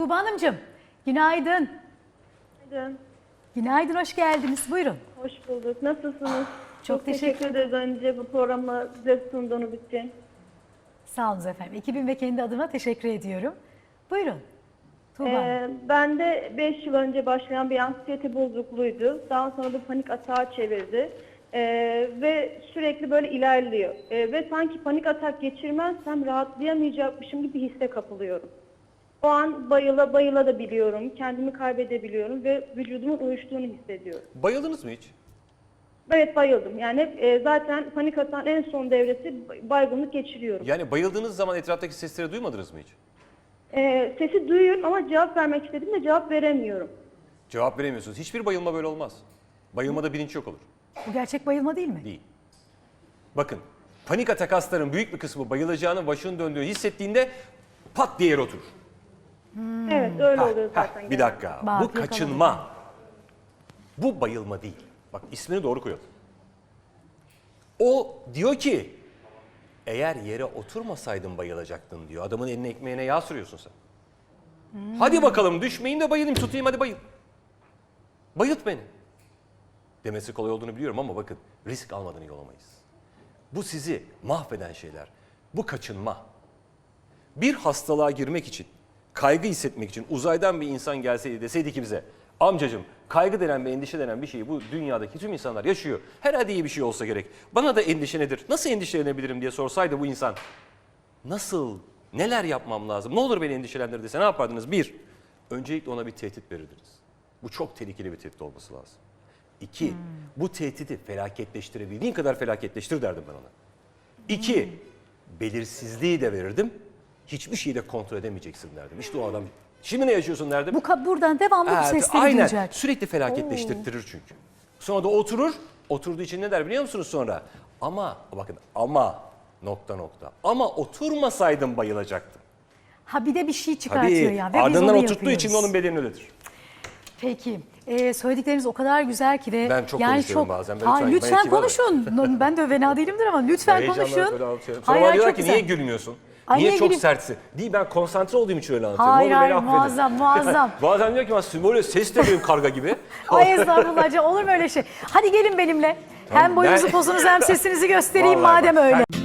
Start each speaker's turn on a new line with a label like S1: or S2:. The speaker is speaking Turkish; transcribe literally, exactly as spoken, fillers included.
S1: Tuğba Hanımcığım, günaydın.
S2: Günaydın.
S1: Günaydın, hoş geldiniz. Buyurun.
S2: Hoş bulduk. Nasılsınız?
S1: Çok teşekkür
S2: ederiz önce bu programı bize sunduğunuz için.
S1: Sağ olun efendim. Ekibim ve kendi adıma teşekkür ediyorum. Buyurun. Tuğba Hanım.
S2: Ee, ben de beş yıl önce başlayan bir anksiyete bozukluğuydu. Daha sonra bu panik atağa çevirdi. Ee, ve sürekli böyle ilerliyor. Ee, ve sanki panik atak geçirmezsem rahatlayamayacakmışım gibi hisse kapılıyorum. O an bayıla bayıla da biliyorum. Kendimi kaybedebiliyorum ve vücudumun uyuştuğunu hissediyorum.
S3: Bayıldınız mı hiç?
S2: Evet, bayıldım. Yani e, zaten panik atağın en son devresi baygınlık geçiriyorum.
S3: Yani bayıldığınız zaman etraftaki sesleri duymadınız mı hiç?
S2: E, sesi duyuyorum ama cevap vermek istediğimde cevap veremiyorum.
S3: Cevap veremiyorsunuz. Hiçbir bayılma böyle olmaz. Bayılmada bilinç yok olur.
S1: Bu gerçek bayılma değil mi?
S3: Değil. Bakın, panik atak hastaların büyük bir kısmı bayılacağını, başının döndüğünü hissettiğinde pat diye yere oturur.
S2: Evet, öyle
S3: Hah,
S2: oluyor
S3: hah,
S2: zaten.
S3: bir
S2: genelde.
S3: dakika.
S1: Bak,
S3: Bu kaçınma. Bu bayılma değil. Bak, ismini doğru koyalım. O diyor ki, eğer yere oturmasaydın bayılacaktın diyor. Adamın eline ekmeğine yağ sürüyorsun sen. Hmm. Hadi bakalım düşmeyeyim de bayılayım, tutayım hadi bayıl. Bayılt beni. Demesi kolay olduğunu biliyorum ama bakın, risk almadan iyi olamayız. Bu sizi mahveden şeyler. Bu kaçınma. Bir hastalığa girmek için, kaygı hissetmek için uzaydan bir insan gelseydi deseydi ki bize, amcacığım kaygı denen ve endişe denen bir şeyi bu dünyadaki tüm insanlar yaşıyor. Herhalde iyi bir şey olsa gerek. Bana da endişe nedir? Nasıl endişelenebilirim diye sorsaydı bu insan, nasıl, neler yapmam lazım? Ne olur beni endişelendir dese ne yapardınız? Bir, öncelikle ona bir tehdit verirdiniz. Bu çok tehlikeli bir tehdit olması lazım. İki, hmm. bu tehdidi felaketleştirebildiğin kadar felaketleştir derdim ben ona. İki, hmm. belirsizliği de verirdim. Hiçbir şeyi de kontrol edemeyeceksin derdim. İşte o adam, şimdi ne yaşıyorsun derdim.
S1: Bu buradan devamlı
S3: Evet,
S1: bu sesleri
S3: aynen.
S1: duyacak.
S3: Sürekli felaketleştirtirir çünkü. Sonra da oturur, oturduğu için ne der biliyor musunuz sonra? Ama, bakın ama nokta nokta. Ama oturmasaydım bayılacaktım.
S1: Ha bir de bir şey çıkartıyor
S3: Tabii,
S1: ya. Ve
S3: ardından
S1: biz onu
S3: oturttuğu için de onun bedeni öyledir.
S1: Peki. Ee, söyledikleriniz o kadar güzel ki ve
S3: Ben çok
S1: yani
S3: konuşuyorum
S1: çok,
S3: bazen. Ben
S1: Ha,
S3: lütfen-
S1: lütfen
S3: ben
S1: konuşun. Ben de fena değilimdir ama lütfen konuşun.
S3: Sonra
S1: Hayır,
S3: bana diyorlar
S1: çok
S3: ki
S1: güzel.
S3: niye gülmüyorsun?
S1: Ay,
S3: niye
S1: niye
S3: çok
S1: güleyim?
S3: sertsin? Değil, ben konsantre olduğum için öyle anlatıyorum.
S1: Hayır
S3: Ne olur beni
S1: hayır
S3: affedin.
S1: muazzam muazzam.
S3: Bazen diyor ki ben böyle ses de benim karga gibi.
S1: Ay estağfurullah, olur mu öyle şey? Hadi gelin benimle. Hem boyunuzu
S3: ben-
S1: pozunuzu hem sesinizi göstereyim
S3: Vallahi
S1: madem
S3: bak,
S1: öyle.
S3: sen-